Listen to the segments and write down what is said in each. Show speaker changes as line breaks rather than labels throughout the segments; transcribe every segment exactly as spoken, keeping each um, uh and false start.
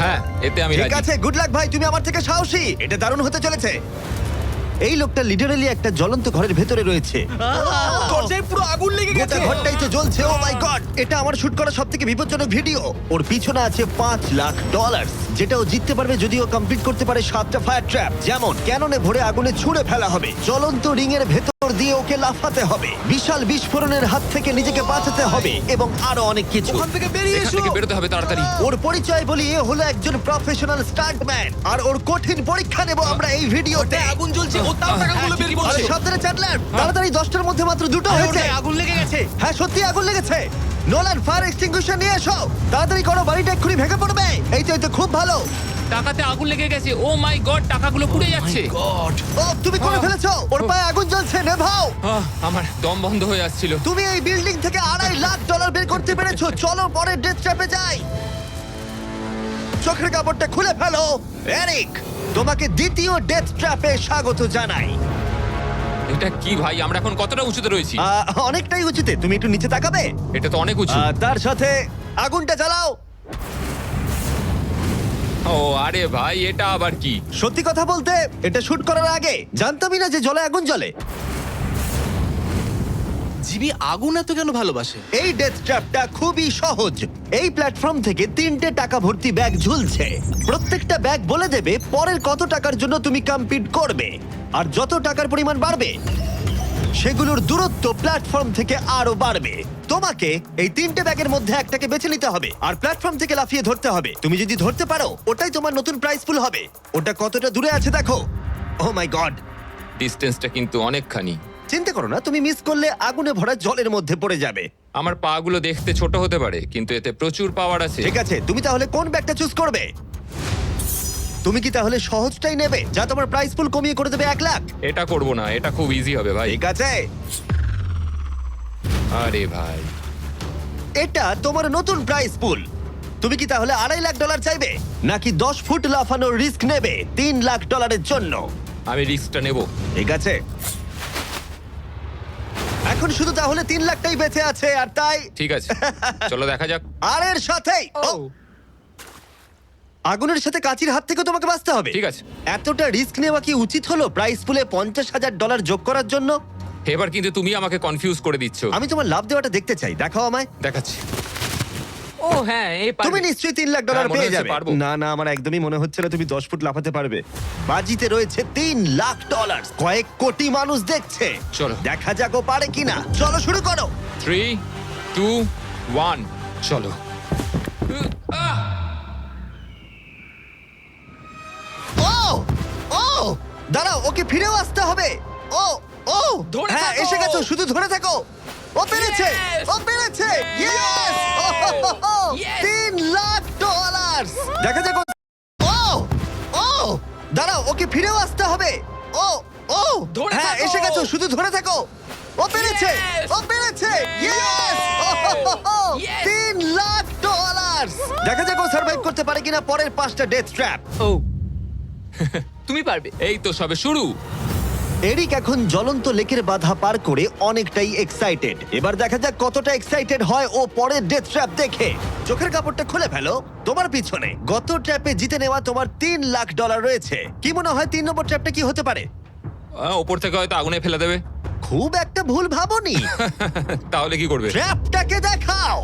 হ্যাঁ, এতে আমি
ঠিক
রাজি।
আছে, গুড লাক ভাই, তুমি আমার থেকে সাহসী। এটা দারুণ হতে চলেছে। এই লোকটা লিটারালি একটা জ্বলন্ত ঘরের ভেতরে রয়েছে।
দরজায় পুরো আগুন লেগে
গোটা
গেছে।
ঘরটাই তো জ্বলছে। ও মাই গড, এটা আমার শুট করা সবথেকে বিপজ্জনক ভিডিও। ওর পিছনে আছে পাঁচ লাখ ডলার, যেটা ও জিততে পারবে যদি ও কমপ্লিট করতে পারে সাতটা ফায়ার ট্র্যাপ। যেমন ক্যাননে ভরে আগুনে ছুঁড়ে ফেলা হবে, জ্বলন্ত রিং এর ভেতর দিয়ে ওকে লাফাতে হবে, বিশাল বিস্ফোরণের হাত থেকে নিজেকে বাঁচাতে হবে এবং আরো অনেক কিছু।
ওখান থেকে বেরিয়ে
এখান
এসো।
থেকে বেরোতে হবে তাড়াতাড়ি।
ওর পরিচয় বলি, এ হলো একজন প্রফেশনাল স্টান্টম্যান, আর ওর কঠিন পরীক্ষা নেব আমরা এই ভিডিওতে।
ওটায় আগুন জ্বলছে, ও তাও টাকাগুলো বের
আরে
করছে।
সাবধানে চ্যাটলার, তাড়াতাড়ি দশটার মধ্যে মাত্র দুটো
আরে
হয়েছে।
ওটায় আগুন লেগে গেছে।
হ্যাঁ সত্যি আগুন লেগেছে। নোলান ফায়ার এক্সটিংগুইশার নিয়ে এসো, তাড়াতাড়ি করো, বাড়িটা এক্ষুনি ভেঙে পড়বে। এই তো এই তো খুব ভালো।
টাকাতে আগুন লেগে গেছে। ও মাই গড, টাকাগুলো পুড়ে যাচ্ছে।
গড।
ও তুমি করে ফেলেছো, ওর পায়ে আগুন জ্বলছে, নেভাও।
আহ, আমার দম বন্ধ হয়ে আসছিল।
তুমি এই বিল্ডিং থেকে আড়াই লাখ ডলার বের করতে পেরেছো। চলো পরের ডেথ ট্র্যাপে যাই। চোখের কাপড়টা খুলে ফেলো। এরিক, তোমাকে দ্বিতীয় ডেথ ট্র্যাপে স্বাগত জানাই।
এটা কি ভাই, আমরা এখন কতটা উঁচুতে রয়েছি?
আহ, অনেকটাই উচিতে, তুমি একটু নিচে তাকাবে।
এটা তো অনেক উঁচু।
আহ, তার সাথে আগুনটা জ্বালাও।
ও আরে ভাই, এটা আবার কি?
সত্যি কথা বলতে, এটা শুট করার আগে জানতামই না যে জলে আগুন জ্বলে।
জিবি আগুন এত কেন ভালোবাসে?
এই ডেথ ট্র্যাপটা খুবই সহজ। এই প্ল্যাটফর্ম থেকে তিনটে টাকা ভর্তি ব্যাগ ঝুলছে। প্রত্যেকটা ব্যাগ বলে দেবে পরের কত টাকার জন্য তুমি কমপ্লিট করবে, আর যত টাকার পরিমাণ বাড়বে সেগুলোর দূরত্ব প্ল্যাটফর্ম থেকে আরো বাড়বে। তোমাকে এই তিনটে ব্যাগের মধ্যে একটাকে বেছে নিতে হবে আর প্ল্যাটফর্ম থেকে লাফিয়ে ধরতে হবে। তুমি যদি ধরতে পারো, ওটাই তোমার নতুন প্রাইস পুল হবে। ওটা কতটা দূরে আছে দেখো। ও মাই গড,
ডিস্টেন্সটা কিন্তু অনেকখানি।
চিন্তা করো না, তুমি মিস করলে আগুনে ভরা জলের মধ্যে পড়ে যাবে।
আমার পা গুলো দেখতে ছোট হতে পারে, কিন্তু এতে প্রচুর পাওয়ার আছে।
ঠিক আছে, তুমি তাহলে কোন ব্যাগটা চুজ করবে? তুমি কি তাহলে সহজটাই নেবে, যা তোমার প্রাইস পুল কমিয়ে করে দেবে এক লাখ?
এটা করব না, এটা খুব ইজি হবে ভাই।
ঠিক আছে,
আরে ভাই,
এটা তোমার নতুন প্রাইস পুল। তুমি কি তাহলে আড়াই লাখ ডলার চাইবে, নাকি দশ ফুট লাফানোর রিস্ক নেবে তিন লাখ ডলারের জন্য?
আমি রিস্কটা নেব।
ঠিক আছে, এখন শুধু তাহলে তিন লাখটাই বেঁচে আছে, আর তাই
ঠিক আছে, চলো দেখা যাক।
আর এর সাথেই ও, আগুনের সাথে কাচির হাত থেকে তোমাকে বাঁচতে হবে।
ঠিক আছে।
এতটা রিস্ক নেওয়া কি উচিত হলো প্রাইস পুলে পঞ্চাশ হাজার ডলার যোগ করার জন্য?
এবার কিন্তু তুমি আমাকে কনফিউজ করে দিচ্ছ।
আমি তোমার লাভ দেওয়াটা দেখতে চাই, দেখাও আমায়।
দেখাচ্ছি। ও হ্যাঁ, এই
তুমি
পারবে।
নিশ্চয়ই তিন লাখ ডলার
হ্যাঁ, মনে
পেয়ে
হচ্ছে
যাবে।
পারবো।
না না, আমার একদমই মনে হচ্ছে না তুমি দশ ফুট লাফাতে পারবে। বাজিতে রয়েছে তিন লাখ ডলার, কয়েক কোটি মানুষ দেখছে।
চলো।
দেখা যাক ও পারে কিনা। চলো শুরু করো।
থ্রি টু ওয়ান, চলো। আহ!
ও ও দাঁড়াও, ওকে ফিরেও আসতে হবে। ও ও
ধরে
হ্যাঁ,
থাকো।
এসে গেছো, শুধু ধরে থাকো। ও পেরেছে,
Yes!
ও পেরেছে। ইয়েস!
Yes!
তিন লাখ ডলার। দেখা যাক ও- ও ও দাঁড়াও, ওকে ফিরেও আসতে হবে। ও ও
ধরে
হ্যাঁ,
থাকো।
এসে গেছো, শুধু ধরে থাকো। ও পেরেছে,
Yes!
ও পেরেছে। ইয়েস!
Yes!
তিন লাখ ডলার। দেখা যাক ও সার্ভাইভ করতে পারে কিনা পরের পাঁচটা ডেথ ট্র্যাপ।
ও তুমি পারবে।
এই তো সবে শুরু।
এরিক এখন জ্বলন্ত লেকের বাধা পার করে অনেকটাই এক্সাইটেড। এবার দেখা যাক কতটা এক্সাইটেড হয় ও পরের ডেথ ট্র্যাপ দেখে। চোখের কাপড়টা খুলে ফেলো। তোমার পিছনে গত ট্র্যাপে জিতে নেওয়া তোমার তিন লাখ ডলার রয়েছে। কি মনে হয় তিন নম্বর ট্র্যাপটা কি হতে পারে?
আহ, ওপর থেকে হয়তো আগুনে ফেলে দেবে।
খুব একটা ভুল ভাবনি।
তাহলে কি করবে?
ট্র্যাপটাকে দেখাও।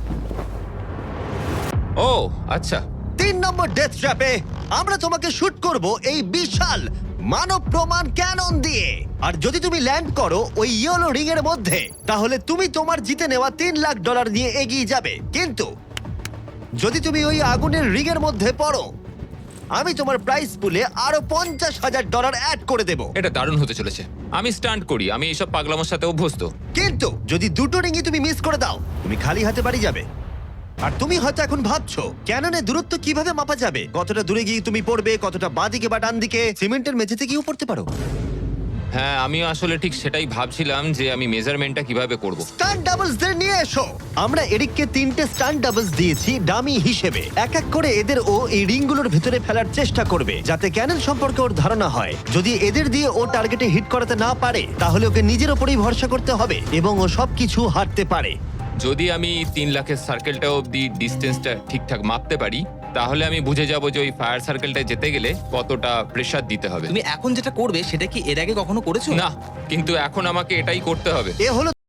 ও আচ্ছা।
তিন নম্বর ডেথ ট্র্যাপে আমরা তোমাকে শুট করব এই বিশাল মানব প্রমাণ ক্যানন দিয়ে। আর যদি তুমি ল্যান্ড করো ওই ইয়েলো রিং এর মধ্যে, তাহলে তুমি তোমার জিতে নেওয়া তিন লাখ ডলার নিয়ে এগিয়ে যাবে। কিন্তু যদি তুমি ওই আগুনের রিং এর মধ্যে পড়ো, আমি তোমার প্রাইস পুলে আরো পঞ্চাশ হাজার ডলার অ্যাড করে দেব।
এটা দারুণ হতে চলেছে। আমি স্টান্ট করি, আমি এইসব পাগলামোর সাথে অভ্যস্ত।
কিন্তু যদি দুটো রিংই তুমি মিস করে দাও, তুমি খালি হাতে বাড়ি যাবে। আর তুমি হয়তো এখন ভাবছো ক্যাননে দূরত্ব কিভাবে মাপা যাবে, কতটা দূরে গিয়ে তুমি পড়বে, কতটা বাঁদিকে বা ডান দিকে। সিমেন্টের মেঝেতে গিয়েও পড়তে পারো।
হ্যাঁ, আমি আসলে ঠিক সেটাই ভাবছিলাম যে আমি মেজারমেন্টটা কিভাবে করব।
স্টান্ট ডাবলস দের নিয়ে এসো। আমরা এরিককে তিনটে স্টান্ট ডাবলস দিয়েছি ডামি হিসেবে। এক এক করে এদের ও এই রিংগুলোর ভেতরে ফেলার চেষ্টা করবে, যাতে ক্যানন সম্পর্কে ওর ধারণা হয়। যদি এদের দিয়ে ও টার্গেটে হিট করাতে না পারে, তাহলে ওকে নিজের ওপরেই ভরসা করতে হবে এবং ও সবকিছু হারতে পারে।
যদি আমি তিন লাখের সার্কেলটা অব্দি ডিস্টেন্সটা ঠিকঠাক মাপতে পারি, তাহলে আমি বুঝে যাব যে ওই ফায়ার সার্কেলটায় যেতে গেলে কতটা প্রেসার দিতে হবে।
তুমি এখন যেটা করবে সেটা কি এর আগে কখনো করেছো?
না, কিন্তু এখন আমাকে এটাই করতে হবে।
এ হলো